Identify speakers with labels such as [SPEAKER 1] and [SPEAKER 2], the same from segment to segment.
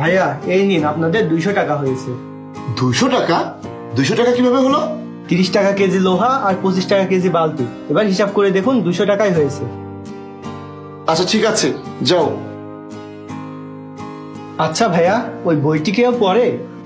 [SPEAKER 1] ভাইয়া এই নিন আপনাদের 200 টাকা হয়েছে।
[SPEAKER 2] 200 টাকা? 200 টাকা কিভাবে হলো?
[SPEAKER 1] 30 টাকা কেজি লোহা আর 25 টাকা কেজি বালতি। এবার হিসাব করে দেখুন 200 টাকাই হয়েছে।
[SPEAKER 2] আচ্ছা ঠিক আছে, যাও।
[SPEAKER 1] আচ্ছা ভাইয়া, ওই বইটি কেউ পড়ে?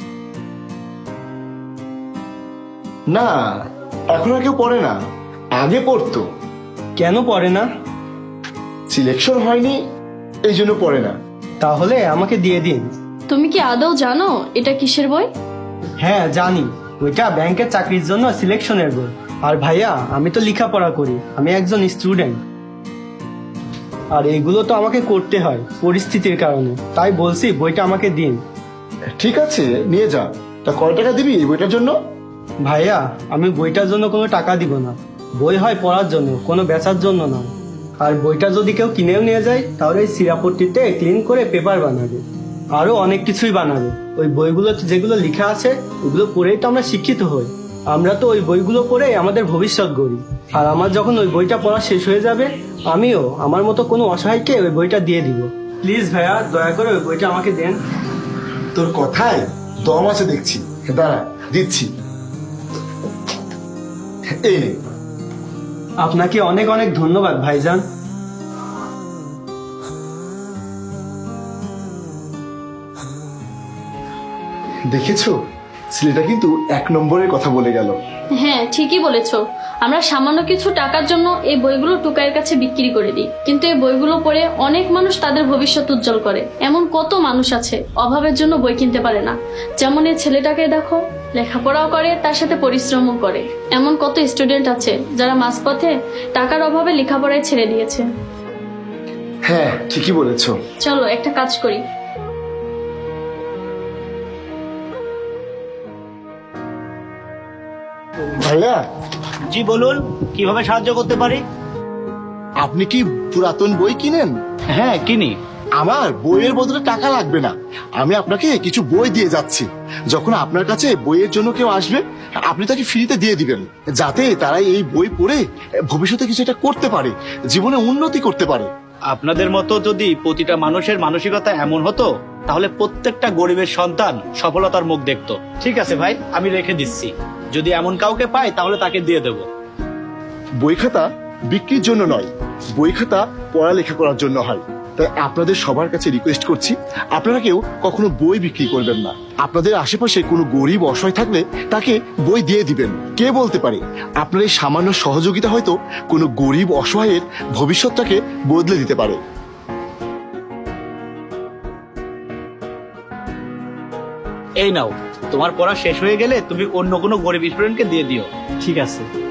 [SPEAKER 2] না, এখন আর কেউ পড়ে না, আগে পড়তো।
[SPEAKER 1] কেন পড়ে না?
[SPEAKER 2] সিলেকশন হয়নি, এই জন্য পড়ে না।
[SPEAKER 1] তাহলে আমাকে দিয়ে দিন।
[SPEAKER 3] তুমি কি আদৌ জানো এটা কিসের বই?
[SPEAKER 1] হ্যাঁ জানি, ওইটা ব্যাংকের চাকরির জন্য সিলেকশনের বই। আর ভাইয়া আমি তো লেখাপড়া করি, আমি একজন স্টুডেন্ট। আর এগুলো তো আমাকে করতে হয় পরিস্থিতির কারণে, তাই বলছি বইটা আমাকে দিন।
[SPEAKER 2] ঠিক আছে, নিয়ে যা। তা কয় টাকা দিবি এই বইটার জন্য?
[SPEAKER 1] ভাইয়া আমি বইটার জন্য কোনো টাকা দিব না। বই হয় পড়ার জন্য, কোনো বেচার জন্য নয়। আর বইটা যদি কেউ কিনেও নিয়ে যায় তাহলে এই সিরাপট্টিতে ক্লিন করে পেপার বানাবে, আরো অনেক কিছুই বানাবে। ওই বইগুলোতে যেগুলো লেখা আছে ওগুলো পড়েই তো আমরা শিক্ষিত হই। আমরা তো ওই বইগুলো পড়েই আমাদের ভবিষ্যৎ গড়ি। আর আমার যখন ওই বইটা পড়া শেষ হয়ে যাবে, আমিও আমার মতো কোনো অসহায়কে ওই বইটা দিয়ে দিব। প্লিজ ভাইয়া দয়া করে ওই বইটা আমাকে দেন।
[SPEAKER 2] তোর কথায় দম আছে দেখছি, দাঁড়া দিচ্ছি। এই নে।
[SPEAKER 1] আপনাকে অনেক অনেক ধন্যবাদ ভাইজান।
[SPEAKER 2] দেখেছো, ছেলেটা কিন্তু 1 নম্বরের কথা বলে গেল।
[SPEAKER 3] হ্যাঁ ঠিকই বলেছো। আমরা সামান্য কিছু টাকার জন্য এই বইগুলো টুকাইয়ের কাছে বিক্রি করে দিই, কিন্তু এই বইগুলো পড়ে অনেক মানুষ তাদের ভবিষ্যৎ উজ্জ্বল করে। এমন কত মানুষ আছে অভাবের জন্য বই কিনতে পারে না। যেমন এই ছেলেটাকে দেখো, লেখাপড়াও করে তার সাথে পরিশ্রমও করে। এমন কত স্টুডেন্ট আছে যারা মাঝপথে টাকার অভাবে লেখাপড়ায় ছেড়ে দিয়েছে।
[SPEAKER 2] হ্যাঁ ঠিকই বলেছো।
[SPEAKER 3] চলো একটা কাজ করি।
[SPEAKER 2] ভাইয়া,
[SPEAKER 4] জি বলুন, কিভাবে সাহায্য করতে পারি?
[SPEAKER 2] আপনি কি পুরাতন বই কিনেন?
[SPEAKER 4] হ্যাঁ কিনি।
[SPEAKER 2] আমার বইয়ের বদলে টাকা লাগবে না, আমি আপনাকে কিছু বই দিয়ে যাচ্ছি। যখন আপনার কাছে বইয়ের জন্য কেউ আসবে, আপনি তাকে ফ্রিতে দিয়ে দিবেন, যাতে তারা এই বই পড়ে ভবিষ্যতে কিছু একটা করতে পারে, জীবনে উন্নতি করতে পারে।
[SPEAKER 4] আপনাদের মতো যদি প্রতিটা মানুষের মানসিকতা এমন হতো, তাহলে প্রত্যেকটা গরিবের সন্তান সফলতার মুখ দেখতো। ঠিক আছে ভাই, আমি রেখে দিচ্ছি। যদি এমন কাউকে পাই তাহলে তাকে দিয়ে দেব।
[SPEAKER 2] বই খাতা বিক্রির জন্য নয়, বই খাতা পড়ালেখা করার জন্য হয়। তাই আপনাদের সবার কাছে রিকোয়েস্ট করছি, আপনারা কেউ কখনো বই বিক্রি করবেন না। আপনাদের আশেপাশে কোনো গরিব অসহায় থাকলে তাকে বই দিয়ে দিবেন। কে বলতে পারে আপনার এই সামান্য সহযোগিতা হয়তো কোনো গরিব অসহায়ের ভবিষ্যৎটাকে বদলে দিতে পারে।
[SPEAKER 4] এই নাও, তোমার পড়া শেষ হয়ে গেলে তুমি অন্য কোনো গরিব স্টুডেন্টকে দিয়ে দিও।
[SPEAKER 1] ঠিক আছে।